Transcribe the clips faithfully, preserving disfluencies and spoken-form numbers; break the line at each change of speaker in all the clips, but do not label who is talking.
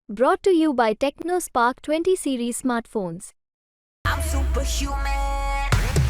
Brought to you by TechnoSpark twenty series smartphones.
I'm superhuman.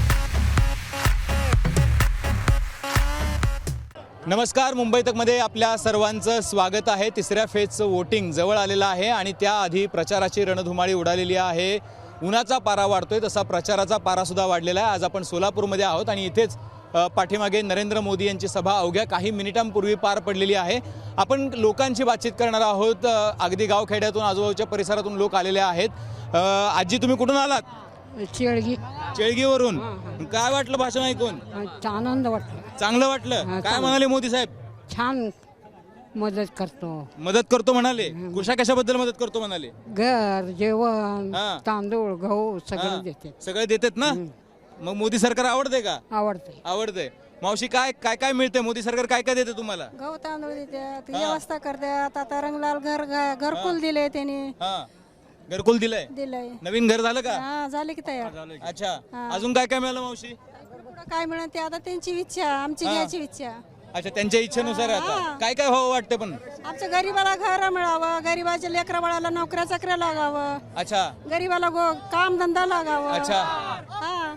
नमस्कार, मुंबई तकमध्ये आपल्या सर्वांचं स्वागत आहे. तिसऱ्या फेजचं वोटिंग जवळ आलेलं आहे आणि त्याआधी प्रचाराची रणधुमाळी उडालेली आहे. उन्हाचा पारा वाढतोय तसा प्रचाराचा पारासुद्धा वाढलेला आहे. आज आपण सोलापूरमध्ये आहोत आणि इथेच पाठीमागे नरेंद्र मोदी यांची सभा अवघ्या काही मिनिटांपूर्वी पार पडलेली आहे. आपण लोकांची बातचीत करणार आहोत. अगदी गावखेड्यातून आजूबाजूच्या परिसरातून लोक आलेले आहेत. आजी, तुम्ही कुठून आलात?
चेळगी
चेळगीवरून. काय वाटलं भाषण ऐकून?
आनंद वाटला.
चांगलं वाटलं. काय म्हणाले मोदी साहेब?
छान मदत करतो.
मदत करतो म्हणाले. कशा कशाबद्दल मदत करतो म्हणाले?
घर, जेवण,
हा.
तांदूळ, गहू सगळं
हा.
देते.
सगळे देतात ना. मग मोदी सरकार आवडते का?
आवडते.
आवडते. मावशी, काय काय काय मिळते? मोदी सरकार काय काय देते तुम्हाला?
गहू तांदूळ देतात, व्यवस्था करतात. आता रंगलाल घर घरकुल दिले त्यांनी.
हा, घरकुल दिलंय.
दिलंय.
नवीन घर झालं का?
हा, झाले की तयार.
अच्छा, अजून काय काय मिळालं मावशी?
पुढं काय म्हणत ते आता त्यांची इच्छा, आमची घ्यायची इच्छा.
अच्छा, त्यांच्या इच्छेनुसार आहे आता. काय काय व्हावं वाटतं पण?
आमच्या गरीबाला घर मिळावं, गरीबाच्या लेकरा बाळाला नोकऱ्या चाकऱ्या लागावं,
अच्छा
गरीबाला गो काम धंदा लागावं.
अच्छा
हा,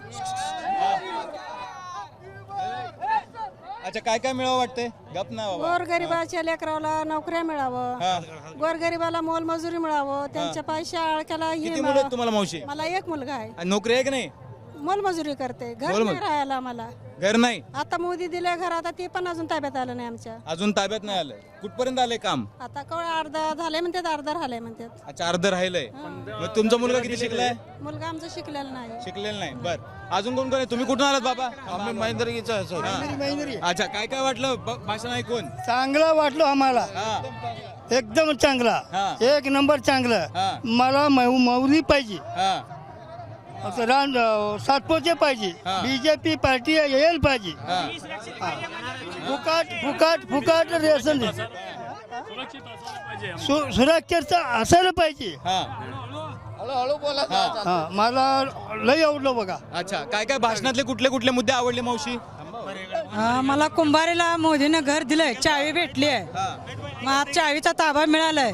अच्छा काय काय मिळावं वाटतंय? गप ना बाबा.
गोर गरीबाच्या लेकराला नोकऱ्या मिळावं,
हा.
गोर गरीबाला मोलमजुरी मिळावं, त्यांच्या पैशा अळक्याला हे
किती मुलं आहेत तुम्हाला मावशी?
मला एक मुलगा आहे,
आणि नोकरी आहे की नाही?
मोलमजुरी करते, घर
मोलमजुरी.
नाही राहायला मला.
घर नाही.
आता मोदी दिले घर, आता ते पण अजून ताब्यात आलं नाही आमच्या.
अजून ताब्यात नाही आलंय. कुठपर्यंत आलंय काम?
आता कवळ अर्धा झाले म्हणतात, अर्धा राहिले म्हणतात.
अच्छा, अर्ध राहिलंय. मग तुमचा मुलगा किती शिकलाय?
मुलगा आमचा शिकलेला नाही.
शिकलेला नाही. बर, अजून कोण कोण आहे? तुम्ही कुठून आलात बाबा?
आम्ही महेंद्रगीचा आहे सर.
हा. अच्छा, काय काय वाटलं ब- भाषण ऐकून?
चांगला वाटलो आम्हाला,
हा
एकदम चांगला,
हा.
एक नंबर चांगलं.
हा.
मला मौ- मौली पाहिजे,
हा
असं रान सातपोते पाहिजे,
हा.
बीजेपी पार्टी येईल पाहिजे.
हा.
फुकाट फुकाट फुकाट रेशन दे. सु- सुरक्षेचं असायला पाहिजे.
हा.
हा, मला लय आवडलं बघा.
अच्छा, काय काय भाषणातले कुठले कुठले मुद्दे आवडले मावशी?
हा, मला कुंभारीला मोदीनं घर दिलंय, चावी भेटली आहे. मग आज चावीचा ताबा मिळालाय.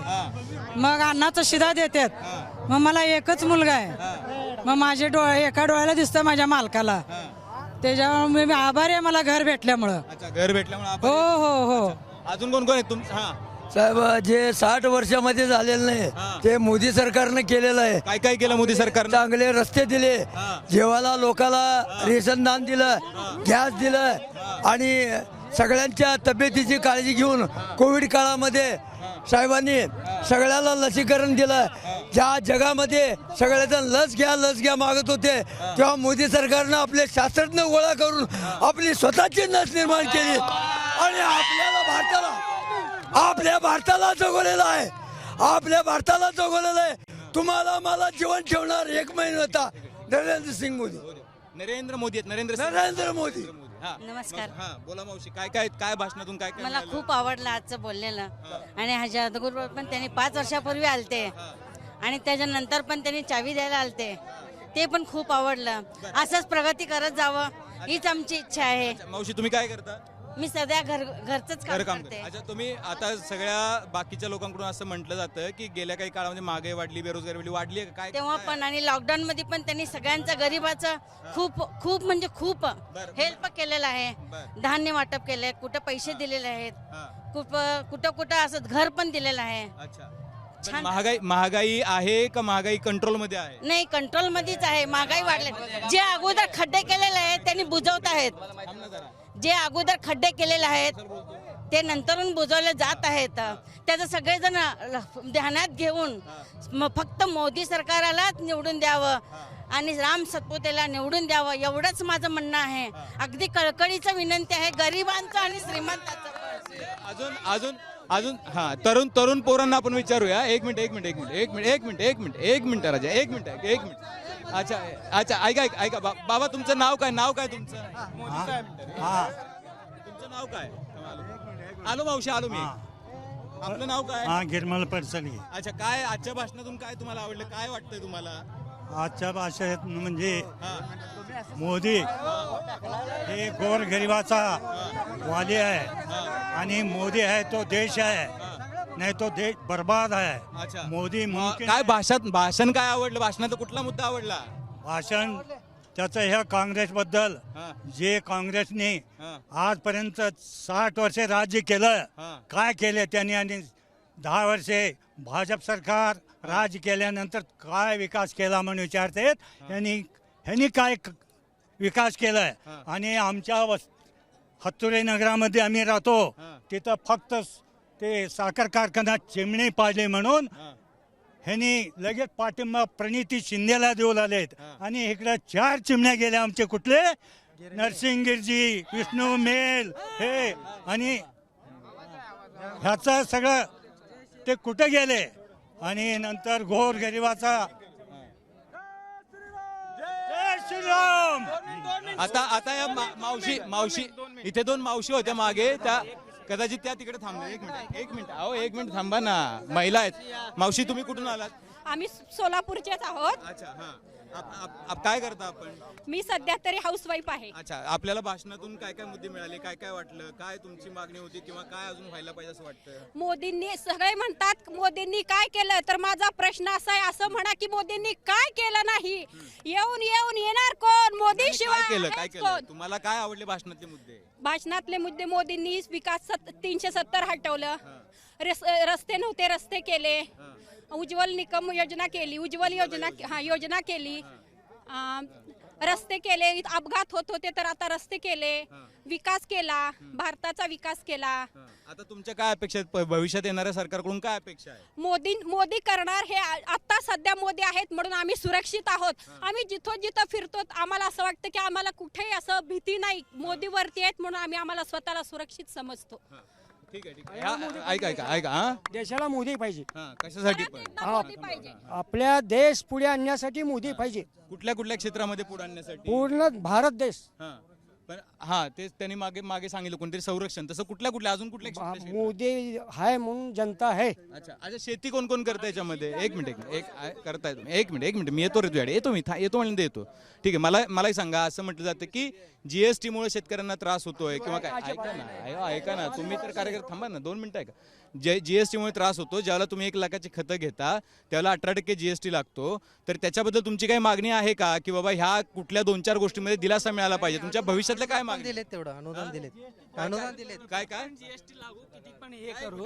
मग अन्नाचा शिदा देतात. मग मला एकच मुलगा आहे. मग माझे डोळे एका डोळ्याला दिसतं माझ्या मालकाला. त्याच्यामुळे मी आभारी आहे मला घर भेटल्यामुळं.
अच्छा, घर भेटल्यामुळे
हो
आभारी.
हो हो.
अजून कोण कोण आहे तुम? हा.
साहेब, जे साठ वर्षामध्ये झालेलं
हा.
नाही ते मोदी सरकारनं केलेलं आहे.
काय काय केलं मोदी सरकारनं?
चांगले रस्ते दिले,
हा.
जेवायला लोकाला रेशन दान दिलं, गॅस दिलं आणि सगळ्यांच्या तब्येतीची काळजी घेऊन कोविड काळामध्ये साहेबांनी सगळ्याला लसीकरण दिलं. ज्या जगामध्ये सगळेजण लस घ्या लस घ्या मागत होते, तेव्हा मोदी सरकारनं आपले शास्त्रज्ञ गोळा करून आपली स्वतःची लस निर्माण केली आणि आपल्याला भारताला आपल्या भारताला जगवलेलं आहे. आपल्या भारताला जगवलेलं आहे. तुम्हाला मला जीवन ठेवणार एक महिना होता नरेंद्र सिंग मोदी.
नरेंद्र मोदी आहेत. नरेंद्र सिंग.
नरेंद्र मोदी.
हा.
नमस्कार.
हा, बोला मावशी, काय काय काय भाषणातून काय काय
मला
मिळालं?
खूप आवडलं आजचं बोललेलं. आणि ह्याच्या अगोदर पण त्यांनी पाच वर्षापूर्वी आलते आणि त्याच्यानंतर पण त्यांनी चावी द्यायला आलते, ते पण खूप आवडलं. असंच प्रगती करत जावं हीच आमची इच्छा आहे.
अच्छा, मावशी तुम्ही काय करता?
मी सध्या घर घरचंच
घर
काम
काम
करते.
करता. अच्छा, तुम्ही आता सगळ्या बाकीच्या लोकांकडून असं म्हटलं जातं की गेल्या काही काळामध्ये महागाई वाढली, बेरोजगारी वाढली वाढली आहे का? काय
तेव्हा पण आणि लॉकडाऊन मध्ये पण त्यांनी सगळ्यांचं गरीबाचं खूप खूप म्हणजे खूप हेल्प केलेलं आहे. धान्य वाटप केलंय, कुठं पैसे दिलेले आहेत,
हा.
खूप कुठं कुठं असं घर पण दिलेलं आहे.
अच्छा, पण
छान.
महागाई महागाई आहे का महागाई कंट्रोल मध्ये आहे?
नाही, कंट्रोल मध्येच आहे. महागाई वाढले. जे अगोदर खड्डे केलेले आहेत त्यांनी बुजवत आहेत.
थांब ना जरा.
जे अगोदर खड्डे केलेले आहेत ते नंतरून बुजवले जात आहेत. त्याचं सगळेजण ध्यानात घेऊन म- फक्त मोदी सरकारालाच निवडून द्यावं आणि राम सतपुतेला निवडून द्यावं एवढंच माझं म्हणणं आहे. अगदी कळकळीचं विनंती आहे गरिबांचं आणि श्रीमंतांचं.
अजून अजून अजून हा, तरुण तरुण पोरांना आपण विचारूया. एक मिनिट एक मिनिट एक मिनिट एक मिनिट एक मिनिट एक मिनिट एक मिनिट राजा, एक मिनिट एक मिनिट. अच्छा अच्छा, ऐका ऐका ऐका बा- बाबा, तुमचं नाव काय? नाव काय तुमचं? तुमचं नाव काय? आलो मावशी, आलो मी. आपलं नाव काय?
हा, गिरमल पडसली.
अच्छा, काय आजच्या भाषणातून काय तुम्हाला आवडलं? काय वाटतंय तुम्हाला?
आजच्या भाषेत म्हणजे
हा.
मोदी हे गोरगरिबाचा वाली आहे आणि मोदी आहे तो देश आहे. नहीं तो देश बर्बाद है।
अच्छा
मोदी
मग
मुमकिन
काय
है।
भाषात भाषण काय आवडलं भाषणाचा कुठला मुद्दा आवडला
भाषण त्याचं ह्या काँग्रेसबद्दल
हा.
जे काँग्रेसने
हा.
आजपर्यंत साठ वर्षे राज्य केलं
हा.
काय केले त्यांनी आणि दहा वर्षे भाजप सरकार राज्य केल्यानंतर काय विकास केला म्हणून विचारतात यांनी ह्यांनी काय क- विकास केलाय
हा.
आणि आमच्या वस हत्तुरे नगरामध्ये आम्ही राहतो
हा.
तिथं फक्त ते साखर कारखाना चिमणी पाडले म्हणून
हा.
ह्यांनी लगेच पाठिंबा प्रणिती शिंदेला देऊ लागलेत
हा.
आणि इकडे चार चिमण्या गेल्या आमचे कुठले नरसिंगगिरजी विष्णू मेल हे आणि ह्याचं सगळं ते कुठे गेले आणि नंतर घोर गरिबाचा जय श्रीराम.
आता आता या मा- मावशी मावशी इथे दोन मावशी होत्या मागे त्या कदाचित त्या तिकडे थांबल्या एक मिनिट एक मिनिट अहो एक मिनिट थांबा ना महिला आहेत मावशी तुम्ही कुठून आलात
आम्ही सोलापूरचेच आहोत.
अच्छा हा आप- आप- आप काय करता आपण
मी सध्या तरी हाऊसवाईफ आहे.
अच्छा आपल्याला भाषणातून काय काय मुद्दे मिळाले काय काय वाटलं काय तुमची मागणी होती किंवा काय अजून व्हायला पाहिजे असं वाटतं
मोदींनी सगळे म्हणतात मोदींनी काय केलं तर माझा प्रश्न असा आहे असं म्हणा की मोदींनी काय केलं नाही. येऊन येऊन येणार कोण मोदी
काय
शिवाय
केलं काय
आहेच
केलं
कोण?
तुम्हाला काय आवडले भाषणातले मुद्दे
भाषणातले मुद्दे मोदींनी विकास सत- तीनशे सत्तर हटवलं. रस- रस्ते नव्हते रस्ते केले. उज्ज्वल निकम योजना केली उज्ज्वल योजना हा योजना केली. अं, रस्ते केले अपघात होत होते तर आता रस्ते केले. विकास केला भारताचा विकास केला.
आता तुमच्या काय अपेक्षा आहेत प- भविष्यात येणाऱ्या सरकारकडून काय अपेक्षा आहे
मोदी मोदी करणार हे आ- आता सध्या मोदी आहेत म्हणून आम्ही सुरक्षित आहोत. आम्ही जिथं जिथं फिरतो आम्हाला असं वाटतं की आम्हाला कुठेही असं भीती नाही. मोदीवरती आहेत म्हणून आम्ही आम्हाला स्वतःला सुरक्षित समजतो.
ठीक आहे ठीक आहे हा, ऐका ऐका ऐका हा
देशाला मोदी पाहिजे.
हा कशासाठी पण
एकदा मोदी पाहिजे.
आपल्या देश पुढे आणण्यासाठी मोदी पाहिजे.
कुठल्या कुठल्या क्षेत्रामध्ये पुढे आणण्यासाठी
पूर्ण भारत देश
हा पण हा तेच त्यांनी मागे मागे सांगितलं कोणतरी संरक्षण तसं कुठल्या कुठल्या अजून कुठल्या क्षेत्र- क्षेत्र-
मोदी आहे म्हणून जनता आहे.
अच्छा अच्छा शेती कोण कोण करतं याच्यामध्ये एक मिनिट एक मिनिट एक आ- करताय तुम्ही एक मिनिट एक मिनिट मी येतो रे तुझ्याकडे येतो मी था- येतो म्हणून येतो ठीक आहे मला मलाही सांगा असं म्हटलं जातं की जीएसटी मुळे शेतकऱ्यांना त्रास होतोय किंवा काय ऐका ना अयो, ऐका ना तुम्ही तर कार्यकर्ते थांबा ना दोन मिनिटं ऐका जे जीएसटी मुळे त्रास होतो ज्यावेळेला तुम्ही एक लाखाची खतं घेता त्यावेळेला अठरा टक्के जीएसटी लागतो तर त्याच्याबद्दल तुमची काही मागणी आहे का की बाबा ह्या कुठल्या दोन चार गोष्टीमध्ये दिलासा मिळाला पाहिजे तुमच्या भविष्यातल्या काय मागणी
दिलेत तेवढं अनुदान दिलेत अनुदान दिलेत.
काय काय
जीएसटी लागू किती पण हे करू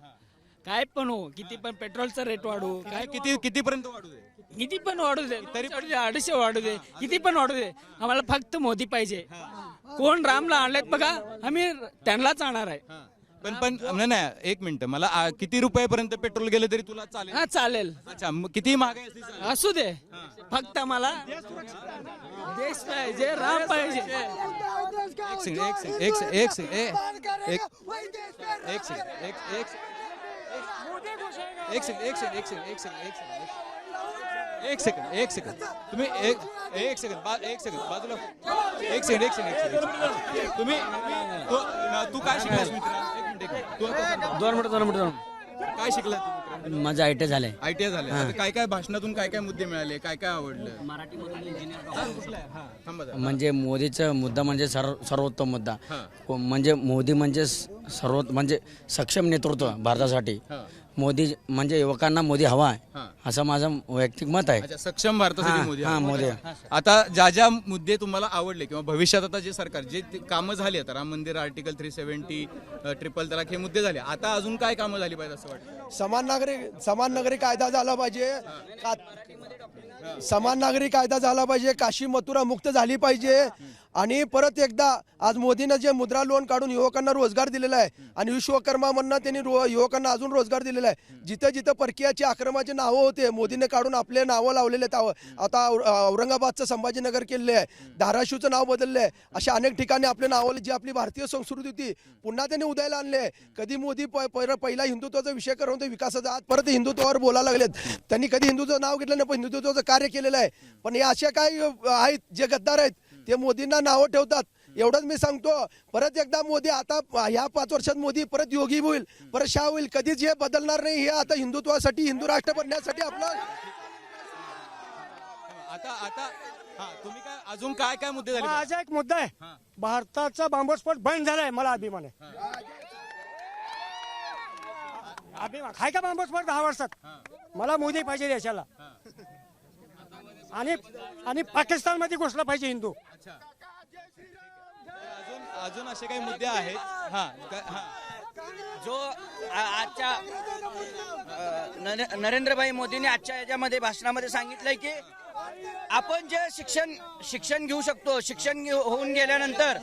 काय पण हो किती पण पेट्रोलचा रेट वाढू
काय किती कितीपर्यंत वाढू दे
किती पण वाढू दे तरी अडीचशे वाढू दे किती पण वाढू दे आम्हाला फक्त मोदी पाहिजे. कोण रामला आणलेत बघा आम्ही त्यांनाच आणणार आहे.
पण पण नाही नाही एक मिनिट मला आ, किती रुपयापर्यंत पेट्रोल गेलं तरी तुला चालेल
हा चालेल
अच्छा मग किती महागाई असली चालेल?
असू दे फक्त आम्हाला देश पाहिजे राम पाहिजे.
एक सेकंड एक सेकंड एक सेकंड एक सेकंड ए- एक एक सेकंड एक एक एक सेकंड एक सेकंड एक सेकंड एक सेकंड एक सेकंड एक सेकंड एक सेकंड तुम्ही एक एक सेकंड बा एक सेकंड बाजूला एक सेकंड एक सेकंड एक सेकंड तुम्ही तू तू काय शिकलास मित्र एक मिनिट एक मिनिट तू आता
दोन मिनिट दोन मिनिट दोन
काय शिकला तू मित्र
माझं आय टी झालंय.
आय टी आय झालं आता काय काय भाषणातून काय काय मुद्दे मिळाले काय काय आवडलं
मराठीमधून इंजिनियर
हा थांबा जरा.
म्हणजे मोदीचा मुद्दा म्हणजे सर्व सर्वोत्तम मुद्दा
हा.
को- म्हणजे मोदी म्हणजे स- सर्व म्हणजे सक्षम नेतृत्व भारतासाठी.
हा.
मोदी म्हणजे युवकांना मोदी हवा आहे
हा.
असं माझं वैयक्तिक मत आहे.
अच्छा सक्षम भारतासाठी
हा,
मोदी
हा,
आहे.
मोदी.
आता ज्या ज्या मुद्दे तुम्हाला आवडले किंवा भविष्यात आता जे सरकार जे ते कामं झाली आता राम मंदिर आर्टिकल थ्री सेव्हन्टी ट्रिपल तलाक हे मुद्दे झाले आता अजून काय कामं झाली पाहिजे असं वाटतं
समान नागरिक समान नागरिक कायदा झाला पाहिजे. का- समान नागरिक कायदा झाला पाहिजे. काशी मथुरा मुक्त झाली पाहिजे. आणि परत एकदा आज मोदीनं जे मुद्रा लोन काढून युवकांना रोजगार दिलेला आहे आणि विश्वकर्मा म्हणून त्यांनी रो- युवकांना अजून रोजगार दिलेला आहे. जिथं जिथं परकीयाची आक्रमाचे नावं होते मोदीने काढून आपले नावं लावलेले आहेत. आता औ- औरंगाबादचं संभाजीनगर केलेलं आहे. धाराशिवचं नाव बदललं आहे. अशा अनेक ठिकाणी आपले नावं जी आपली भारतीय संस्कृती होती पुन्हा त्यांनी उदयाला आणले. कधी मोदी प- पहिला पहिला हिंदुत्वाचा विषय करून ते विकासाचा आज परत हिंदुत्वावर बोलायला लागलेत. त्यांनी कधी हिंदुत्वाचं नाव घेतलं नाही पण हिंदुत्वाचं कार्य केलेलं आहे. पण हे अशा काही आहेत जे गद्दार आहेत ते मोदींना नावं ठेवतात. एवढंच मी सांगतो परत एकदा मोदी आता ह्या पाच वर्षात मोदी परत योगी होईल परत शाह होईल कधीच हे बदलणार नाही. हे आता हिंदुत्वासाठी हिंदू राष्ट्र बनण्यासाठी आपला
आता आता हा तुम्ही काय अजून काय काय मुद्दे झाले
माझा एक मुद्दा आहे. भारताचा बॉम्बस्फोट बंद झालाय मला अभिमान आहे.
आम्ही खाय का बांबोस्फोट दहा वर्षात मला मोदी पाहिजे देशाला आणि आणि पाकिस्तानमध्ये घुसला पाहिजे हिंदू.
अजून अजून असे काही मुद्दे आहेत. हा हा
जो आ- आजच्या अ, नरे- नरेंद्रभाई मोदींनी आजच्या याच्यामध्ये भाषणामध्ये सांगितलंय की आपण जे शिक्षण शिक्षण घेऊ शकतो, शिक्षण घेऊ- होऊन गेल्यानंतर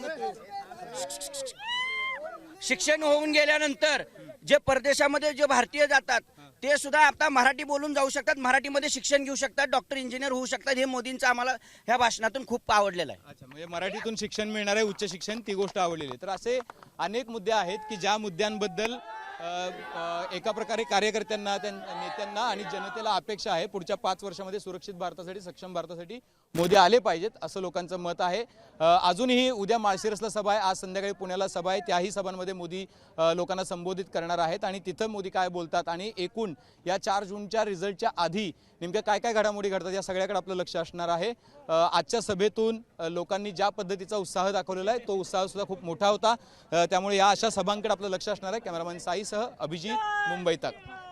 शिक्षण होऊन गेल्यानंतर जे परदेशामध्ये जे भारतीय जातात ते सुद्धा आता मराठी बोलून जाऊ शकतात, मराठीमध्ये शिक्षण घेऊ शकतात, डॉक्टर इंजिनियर होऊ शकतात. हे मोदींचं आम्हाला ह्या भाषणातून खूप आवडलेलं आहे.
अच्छा, म्हणजे मराठीतून शिक्षण मिळणार आहे, उच्च शिक्षण, ती गोष्ट आवडलेली आहे. तर असे अनेक मुद्दे आहेत की ज्या मुद्द्यांबद्दल अ, अ, एका प्रकारे कार्यकर्त्यांना, त्यां- नेत्यांना आणि जनतेला अपेक्षा आहे पुढच्या पाच वर्षामध्ये सुरक्षित भारतासाठी, सक्षम भारतासाठी मोदी आले पाहिजेत, असं लोकांचं मत आहे. अ, अजूनही उद्या माळशिरसला सभा आहे, आज संध्याकाळी पुण्याला सभा आहे. त्याही सभांमध्ये मोदी अ, लोकांना संबोधित करणार आहेत आणि तिथं मोदी काय बोलतात आणि एकूण या चार जूनच्या रिझल्टच्या आधी नेमक्या काय काय घडामोडी घडतात या सगळ्याकडे आपलं लक्ष असणार आहे. अ, आजच्या सभेतून अ, लोकांनी ज्या पद्धतीचा उत्साह दाखवलेला आहे तो उत्साह सुद्धा खूप मोठा होता. अ, त्यामुळे या अशा सभांकडे आपलं लक्ष असणार आहे. कॅमेरामॅन साईसह अभिजित, मुंबई तक.